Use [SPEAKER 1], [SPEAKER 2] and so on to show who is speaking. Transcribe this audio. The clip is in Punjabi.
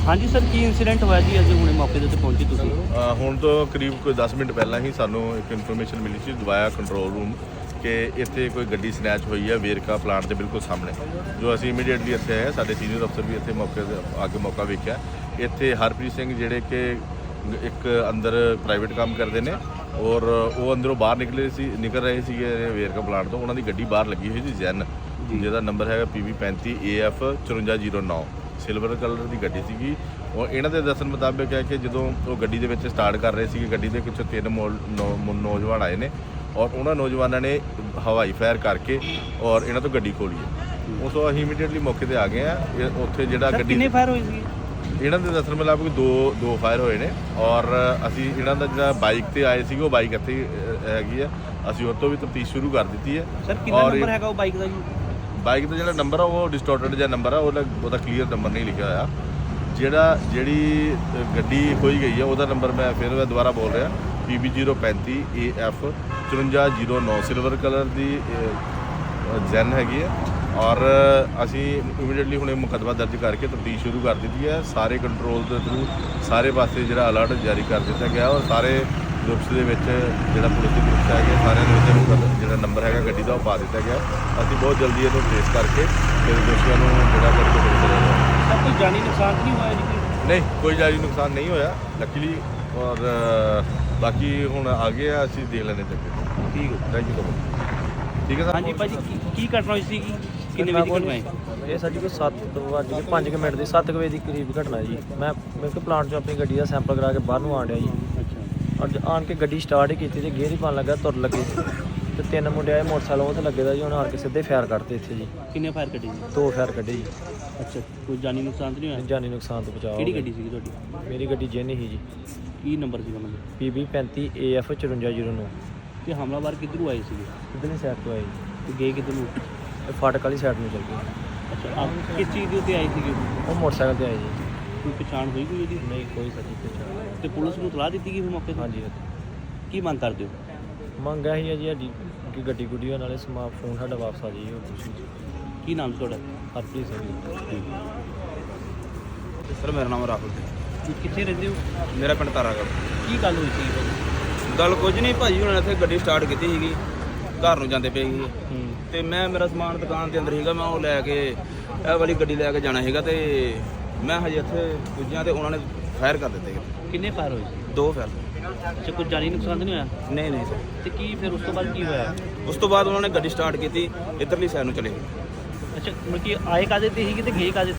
[SPEAKER 1] ਹਾਂਜੀ ਸਰ, ਕੀ ਇਨਸੀਡੈਂਟ ਹੋਇਆ ਜੀ ਅੱਜ ਹੁਣੇ ਮੌਕੇ ਦੇ ਉੱਤੇ ਪਹੁੰਚੇ ਤੁਸੀਂ?
[SPEAKER 2] ਹੁਣ ਤੋਂ ਕਰੀਬ ਕੋਈ 10 ਮਿੰਟ ਪਹਿਲਾਂ ਹੀ ਸਾਨੂੰ ਇੱਕ ਇਨਫੋਰਮੇਸ਼ਨ ਮਿਲੀ ਸੀ ਦਵਾਇਆ ਕੰਟਰੋਲ ਰੂਮ ਕਿ ਇੱਥੇ ਕੋਈ ਗੱਡੀ ਸਨੈਚ ਹੋਈ ਹੈ ਵੇਰਕਾ ਪਲਾਂਟ ਦੇ ਬਿਲਕੁਲ ਸਾਹਮਣੇ। ਜੋ ਅਸੀਂ ਇਮੀਡੀਏਟਲੀ ਇੱਥੇ ਆਏ, ਸਾਡੇ ਸੀਨੀਅਰ ਅਫਸਰ ਵੀ ਇੱਥੇ ਮੌਕੇ ਤੇ ਆ ਕੇ ਮੌਕਾ ਵੇਖਿਆ। ਇੱਥੇ ਹਰਪ੍ਰੀਤ ਸਿੰਘ ਜਿਹੜੇ ਕਿ ਇੱਕ ਅੰਦਰ ਪ੍ਰਾਈਵੇਟ ਕੰਮ ਕਰਦੇ ਨੇ ਔਰ ਉਹ ਅੰਦਰੋਂ ਬਾਹਰ ਨਿਕਲ ਰਹੇ ਸੀਗੇ ਵੇਰਕਾ ਪਲਾਂਟ ਤੋਂ। ਉਹਨਾਂ ਦੀ ਗੱਡੀ ਬਾਹਰ ਲੱਗੀ ਹੋਈ ਸੀ ਜੈਨ, ਜਿਹਦਾ ਨੰਬਰ ਹੈਗਾ PB 35 AF 5409, ਸਿਲਵਰ ਕਲਰ ਦੀ ਗੱਡੀ ਸੀਗੀ। ਔਰ ਇਹਨਾਂ ਦੇ ਦੱਸਣ ਮੁਤਾਬਕ ਹੈ ਕਿ ਜਦੋਂ ਉਹ ਗੱਡੀ ਦੇ ਵਿੱਚ ਸਟਾਰਟ ਕਰ ਰਹੇ ਸੀਗੇ, ਗੱਡੀ ਦੇ ਪਿੱਛੇ 3 ਨੌਜਵਾਨ ਆਏ ਨੇ ਔਰ ਉਹਨਾਂ ਨੌਜਵਾਨਾਂ ਨੇ ਹਵਾਈ ਫਾਇਰ ਕਰਕੇ ਔਰ ਇਹਨਾਂ ਤੋਂ ਗੱਡੀ ਖੋਲੀ ਹੈ। ਉਸ ਤੋਂ ਅਸੀਂ ਇਮੀਡੀਏਟਲੀ ਮੌਕੇ ਤੇ ਆ ਗਏ ਆ। ਉੱਥੇ ਜਿਹੜਾ ਗੱਡੀ
[SPEAKER 1] ਕਿੰਨੇ ਫਾਇਰ ਹੋਏ ਸੀ?
[SPEAKER 2] ਇਹਨਾਂ ਦੇ ਦੱਸਣ ਮੁਤਾਬਕ ਦੋ ਫਾਇਰ ਹੋਏ ਨੇ ਔਰ ਅਸੀਂ ਇਹਨਾਂ ਦਾ ਜਿਹੜਾ ਬਾਈਕ ਤੇ ਆਏ ਸੀਗੇ ਉਹ ਬਾਈਕ ਇੱਥੇ ਹੈਗੀ ਆ, ਅਸੀਂ ਉਹ ਤੋਂ ਵੀ ਤਫਤੀਸ਼ ਸ਼ੁਰੂ ਕਰ ਦਿੱਤੀ ਹੈ।
[SPEAKER 1] ਸਰ ਕਿੰਨਾ ਨੰਬਰ ਹੈਗਾ ਉਹ ਬਾਈਕ ਦਾ ਜੀ?
[SPEAKER 2] ਬਾਈਕ ਦਾ ਜਿਹੜਾ ਨੰਬਰ ਆ ਉਹ ਡਿਸਟੋਰਟਡ ਜਿਹਾ ਨੰਬਰ ਆ, ਉਹਦਾ ਕਲੀਅਰ ਨੰਬਰ ਨਹੀਂ ਲਿਖਿਆ ਹੋਇਆ। ਜਿਹੜੀ ਗੱਡੀ ਖੋਈ ਗਈ ਆ ਉਹਦਾ ਨੰਬਰ ਮੈਂ ਦੁਬਾਰਾ ਬੋਲ ਰਿਹਾ, PB 035 AF 5409, ਸਿਲਵਰ ਕਲਰ ਦੀ ਜੈਨ ਹੈਗੀ ਹੈ। ਔਰ ਅਸੀਂ ਇਮੀਡੀਏਟਲੀ ਹੁਣੇ ਮੁਕੱਦਮਾ ਦਰਜ ਕਰਕੇ ਤਫਤੀਸ਼ ਸ਼ੁਰੂ ਕਰ ਦਿੱਤੀ ਹੈ। ਸਾਰੇ ਕੰਟਰੋਲ ਦੇ ਥਰੂ ਸਾਰੇ ਪਾਸੇ ਜਿਹੜਾ ਅਲਰਟ ਜਾਰੀ ਕਰ ਦਿੱਤਾ ਗਿਆ ਔਰ ਸਾਰੇ ਗਰੁੱਪਸ ਦੇ ਵਿੱਚ ਜਿਹੜਾ ਪੁਲਿਸ ਦੇ ਗਰੁੱਪਸ ਹੈਗੇ ਸਾਰਿਆਂ ਦੇ ਵਿੱਚ ਜਿਹੜਾ ਨੰਬਰ ਹੈਗਾ ਗੱਡੀ ਦਾ ਉਹ ਪਾ ਦਿੱਤਾ ਗਿਆ। ਅਸੀਂ ਬਹੁਤ ਜਲਦੀ ਇਹਨੂੰ ਟ੍ਰੇਸ ਕਰਕੇ ਫਿਰ ਦੋਸ਼ੀਆਂ ਨੂੰ ਜਿਹੜਾ ਕਰਕੇ ਫੜ ਲਿਆ।
[SPEAKER 1] ਸਰ ਕੋਈ ਜਾਨੀ ਨੁਕਸਾਨ ਨਹੀਂ ਹੋਇਆ ਜੀ?
[SPEAKER 2] ਨਹੀਂ, ਕੋਈ ਜਾਨੀ ਨੁਕਸਾਨ ਨਹੀਂ ਹੋਇਆ ਲੱਕੀਲੀ। ਔਰ ਬਾਕੀ ਹੁਣ ਆਗੇ ਆ, ਅਸੀਂ ਦੇਖ ਲੈਣੇ ਚੱਕੇ।
[SPEAKER 1] ਠੀਕ ਹੈ,
[SPEAKER 2] ਥੈਂਕ ਯੂ ਸੋ ਮਚ। ਠੀਕ ਹੈ ਸਰ।
[SPEAKER 1] ਹਾਂਜੀ ਭਾਜੀ, ਕੀ ਘਟਨਾ ਹੋਈ ਸੀਗੀ? ਕਿੰਨੇ ਵਜੇ ਦੀ ਘਟਨਾ ਹੈ
[SPEAKER 3] ਇਹ ਸਾਡੀ ਕੋਈ 7:05 ਮਿੰਟ ਦੀ 7 ਵਜੇ ਦੀ ਕਰੀਬ ਘਟਨਾ ਜੀ। ਮੈਂ ਕਿ ਪਲਾਂਟ 'ਚੋਂ ਆਪਣੀ ਗੱਡੀ ਦਾ ਸੈਂਪਲ ਕਰਾ ਕੇ ਬਾਹਰ ਨੂੰ ਆਣ ਡਿਆ ਜੀ।
[SPEAKER 1] ਅੱਛਾ।
[SPEAKER 3] ਔਰ ਆਣ ਕੇ ਗੱਡੀ ਸਟਾਰਟ ਹੀ ਕੀਤੀ ਤੇ ਗੇਅਰ ਹੀ ਪਾਉਣ ਲੱਗਾ, ਤੁਰ ਲੱਗੇ ਤੇ 3 ਮੁੰਡੇ ਆਏ ਮੋਟਰਸਾਈਕਲ ਉਹ ਤੇ ਲੱਗੇ ਦਾ ਜੀ। ਉਹਨਾਂ ਆਣ ਕੇ ਸਿੱਧੇ ਫਾਇਰ ਕੱਢਤੇ ਇੱਥੇ ਜੀ।
[SPEAKER 1] ਕਿੰਨੇ ਫਾਇਰ ਕੱਢੇ ਜੀ?
[SPEAKER 3] 2 ਫਾਇਰ ਕੱਢੇ ਜੀ।
[SPEAKER 1] ਅੱਛਾ, ਕੋਈ ਜਾਨੀ ਨੁਕਸਾਨ ਤਾਂ ਨਹੀਂ ਹੋਇਆ?
[SPEAKER 3] ਜਾਨੀ ਨੁਕਸਾਨ ਤੋਂ ਬਚਾਅ।
[SPEAKER 1] ਕਿਹੜੀ ਗੱਡੀ ਸੀਗੀ ਤੁਹਾਡੀ?
[SPEAKER 3] ਮੇਰੀ ਗੱਡੀ ਜੈਨ ਹੀ ਜੀ,
[SPEAKER 1] ਕੀ ਨੰਬਰ ਸੀਗਾ ਮਤਲਬ?
[SPEAKER 3] PB 35 AF 5409।
[SPEAKER 1] ਤੇ ਹਮਲਾਵਰ ਕਿੱਧਰੋਂ ਆਏ ਸੀਗੇ
[SPEAKER 3] ਕਿੱਧਰਲੀ ਸਾਈਡ ਤੋਂ ਆਏ ਜੀ?
[SPEAKER 1] ਤੇ ਗਏ ਕਿੱਧਰ ਨੂੰ?
[SPEAKER 3] ਇਹ ਫਾਟਕ ਵਾਲੀ ਸਾਈਡ ਨੂੰ ਚੱਲ ਗਏ।
[SPEAKER 1] ਅੱਛਾ, ਆਪ ਕਿਸ ਚੀਜ਼ ਦੇ ਉੱਤੇ ਆਏ ਸੀਗੇ?
[SPEAKER 3] ਉਹ ਮੋਟਰਸਾਈਕਲ ਤੇ ਆਏ ਜੀ।
[SPEAKER 1] ਕੋਈ ਪਛਾਣ ਹੋਈ ਕੋਈ ਇਹਦੀ?
[SPEAKER 3] ਨਹੀਂ ਕੋਈ ਸੱਚੀ ਪਛਾਣ।
[SPEAKER 1] ਤੇ ਪੁਲਿਸ ਨੂੰ ਇਤਲਾਹ ਦਿੱਤੀ ਗਈ ਫਿਰ ਮੌਕੇ ਤੇ?
[SPEAKER 3] ਹਾਂਜੀ
[SPEAKER 1] ਕੀ ਮੰਗ ਕਰਦੇ ਹੋ?
[SPEAKER 3] ਮੰਗ ਇਹੀ ਹੈ ਜੀ ਸਾਡੀ ਕਿ ਗੱਡੀ ਗੁੱਡੀ ਨਾਲੇ ਫੋਨ ਸਾਡਾ ਵਾਪਸ ਆ ਜਾਈਏ। ਹੋਰ ਕੁਛ ਨਹੀਂ।
[SPEAKER 1] ਕੀ ਨਾਮ ਸੀ ਤੁਹਾਡਾ?
[SPEAKER 3] ਹਰਪ੍ਰੀਤ ਸਿੰਘ।
[SPEAKER 4] ਸਰ ਮੇਰਾ ਨਾਮ ਰਾਹੁਲ
[SPEAKER 1] ਜੀ ਕਿੱਥੇ ਰਹਿੰਦੇ ਹੋ?
[SPEAKER 4] ਮੇਰਾ ਪਿੰਡ ਤਾਰਾਗੜ੍ਹ।
[SPEAKER 1] ਕੀ ਗੱਲ ਹੋਈ ਸੀ ਭਾਜੀ?
[SPEAKER 4] ਗੱਲ ਕੁਝ ਨਹੀਂ ਭਾਜੀ, ਉਹਨਾਂ ਨੇ ਇੱਥੇ ਗੱਡੀ ਸਟਾਰਟ ਕੀਤੀ ਸੀਗੀ, ਘਰ ਨੂੰ ਜਾਂਦੇ ਪਏ ਸੀ
[SPEAKER 1] ਹੂੰ।
[SPEAKER 4] ਤੇ ਮੇਰਾ ਸਮਾਨ ਦੁਕਾਨ ਦੇ ਅੰਦਰ ਸੀਗਾ, ਮੈਂ ਉਹ ਲੈ ਕੇ ਇਹ ਵਾਲੀ ਗੱਡੀ ਲੈ ਕੇ ਜਾਣਾ ਸੀਗਾ ਤੇ ਮੈਂ ਹਜੇ ਇੱਥੇ ਪੁੱਜਿਆ ਤੇ ਉਹਨਾਂ ਨੇ ਫਾਇਰ ਕਰ ਦਿੱਤੇ।
[SPEAKER 1] ਕਿੰਨੇ ਫਾਇਰ ਹੋਏ ਸੀ?
[SPEAKER 4] 2 ਫਾਇਰ।
[SPEAKER 1] ਅੱਛਾ, ਕੋਈ ਜਾਨੀ ਨੁਕਸਾਨ ਤਾਂ ਨਹੀਂ ਹੋਇਆ?
[SPEAKER 4] ਨਹੀਂ ਸਰ।
[SPEAKER 1] ਤੇ ਕੀ ਫਿਰ ਉਸ ਤੋਂ ਬਾਅਦ ਕੀ ਹੋਇਆ?
[SPEAKER 4] ਉਸ ਤੋਂ ਬਾਅਦ ਉਹਨਾਂ ਨੇ ਗੱਡੀ ਸਟਾਰਟ ਕੀਤੀ, ਇੱਧਰਲੀ ਸਾਈਡ ਨੂੰ ਚਲੇ ਗਏ।
[SPEAKER 1] ਅੱਛਾ, ਮਤਲਬ ਕਿ ਆਏ ਕਾਹਦੇ ਤੇ ਸੀਗੇ ਤੇ ਗਏ ਕਾਹਦੇ